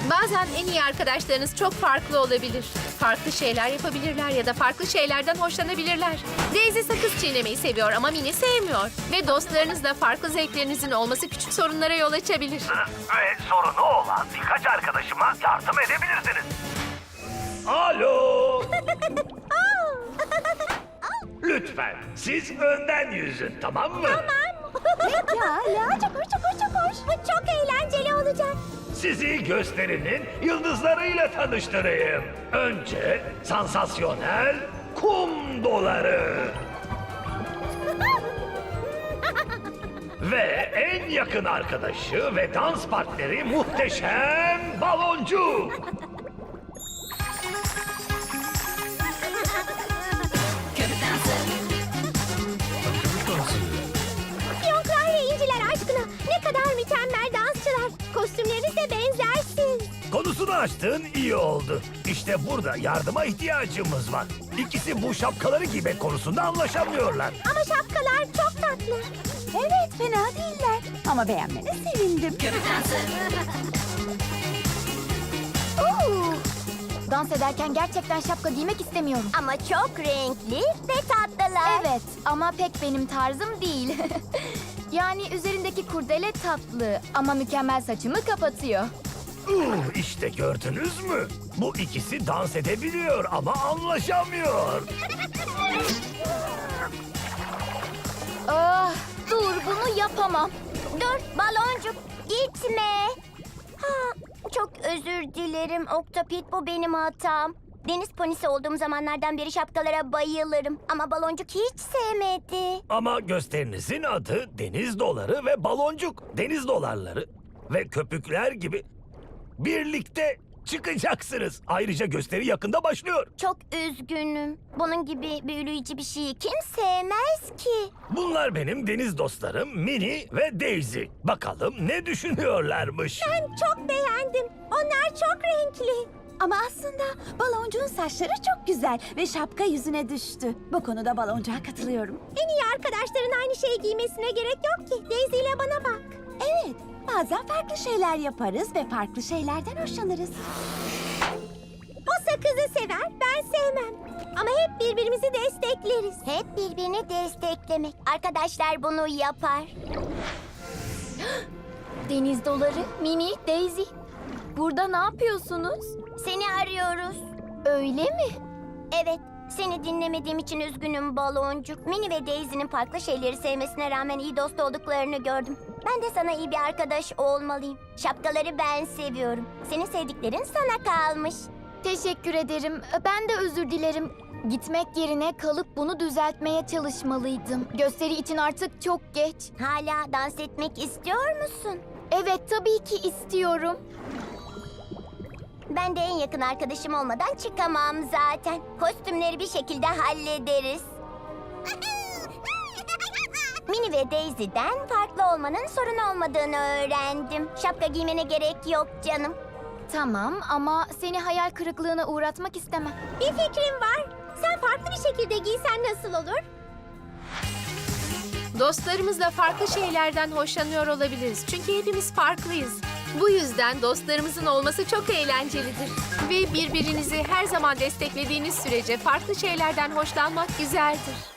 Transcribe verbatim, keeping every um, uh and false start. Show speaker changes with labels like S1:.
S1: Bazen en iyi arkadaşlarınız çok farklı olabilir. Farklı şeyler yapabilirler ya da farklı şeylerden hoşlanabilirler. Daisy sakız çiğnemeyi seviyor ama Minnie sevmiyor. Ve dostlarınızla farklı zevklerinizin olması küçük sorunlara yol açabilir.
S2: Ve sorunu olan birkaç arkadaşıma yardım edebilirsiniz. Alo. Lütfen siz önden yüzün, tamam mı?
S3: Pekala, çok hoş, çok hoş, çok hoş. Bu çok eğlenceli olacak.
S2: Sizi gösterinin yıldızlarıyla tanıştırayım. Önce sansasyonel kum doları. Ve en yakın arkadaşı ve dans partneri muhteşem baloncuk.
S3: Fiyonklar ve inciler aşkına ne kadar mükemmel dansçılar. Kostümleriniz de benzersiz.
S2: Konusunu açtığın iyi oldu. İşte burada yardıma ihtiyacımız var. İkisi bu şapkaları giymek konusunda anlaşamıyorlar.
S3: Ama şapkalar çok tatlı. Evet, fena değiller. Ama beğenmene sevindim. Oo, dans ederken gerçekten şapka giymek istemiyorum. Ama çok renkli ve tatlılar. Evet, ama pek benim tarzım değil. Yani üzerindeki kurdele tatlı ama mükemmel saçımı kapatıyor.
S2: Uh, işte gördünüz mü? Bu ikisi dans edebiliyor ama anlaşamıyor.
S3: Ah, dur bunu yapamam. Dur baloncuk gitme. Ha, çok özür dilerim Oktapit, bu benim hatam. Deniz ponisi olduğum zamanlardan beri şapkalara bayılırım. Ama baloncuk hiç sevmedi.
S2: Ama gösterinizin adı deniz doları ve baloncuk. Deniz dolarları ve köpükler gibi birlikte çıkacaksınız. Ayrıca gösteri yakında başlıyor.
S3: Çok üzgünüm. Bunun gibi büyüleyici bir şeyi kim sevmez ki?
S2: Bunlar benim deniz dostlarım Minnie ve Daisy. Bakalım ne düşünüyorlarmış.
S3: Ben çok beğendim. Onlar çok renkli.
S4: Ama aslında baloncuğun saçları çok güzel ve şapka yüzüne düştü. Bu konuda baloncuğa katılıyorum.
S3: En iyi arkadaşların aynı şeyi giymesine gerek yok ki. Daisy ile bana bak.
S4: Evet, bazen farklı şeyler yaparız ve farklı şeylerden hoşlanırız.
S3: O sakızı sever, ben sevmem. Ama hep birbirimizi destekleriz. Hep birbirini desteklemek. Arkadaşlar bunu yapar.
S5: Deniz doları, Minnie, Daisy. Burada ne yapıyorsunuz?
S3: Seni arıyoruz.
S5: Öyle mi?
S3: Evet, seni dinlemediğim için üzgünüm baloncuk. Minnie ve Daisy'nin farklı şeyleri sevmesine rağmen iyi dost olduklarını gördüm. Ben de sana iyi bir arkadaş olmalıyım. Şapkaları ben seviyorum. Senin sevdiklerin sana kalmış.
S5: Teşekkür ederim. Ben de özür dilerim. Gitmek yerine kalıp bunu düzeltmeye çalışmalıydım. Gösteri için artık çok geç.
S3: Hala dans etmek istiyor musun?
S5: Evet, tabii ki istiyorum.
S3: Ben de en yakın arkadaşım olmadan çıkamam zaten. Kostümleri bir şekilde hallederiz. Minnie ve Daisy'den farklı olmanın sorun olmadığını öğrendim. Şapka giymene gerek yok canım.
S5: Tamam ama seni hayal kırıklığına uğratmak istemem.
S3: Bir fikrim var. Sen farklı bir şekilde giysen nasıl olur?
S1: Dostlarımızla farklı şeylerden hoşlanıyor olabiliriz. Çünkü hepimiz farklıyız. Bu yüzden dostlarımızın olması çok eğlencelidir. Ve birbirinizi her zaman desteklediğiniz sürece farklı şeylerden hoşlanmak güzeldir.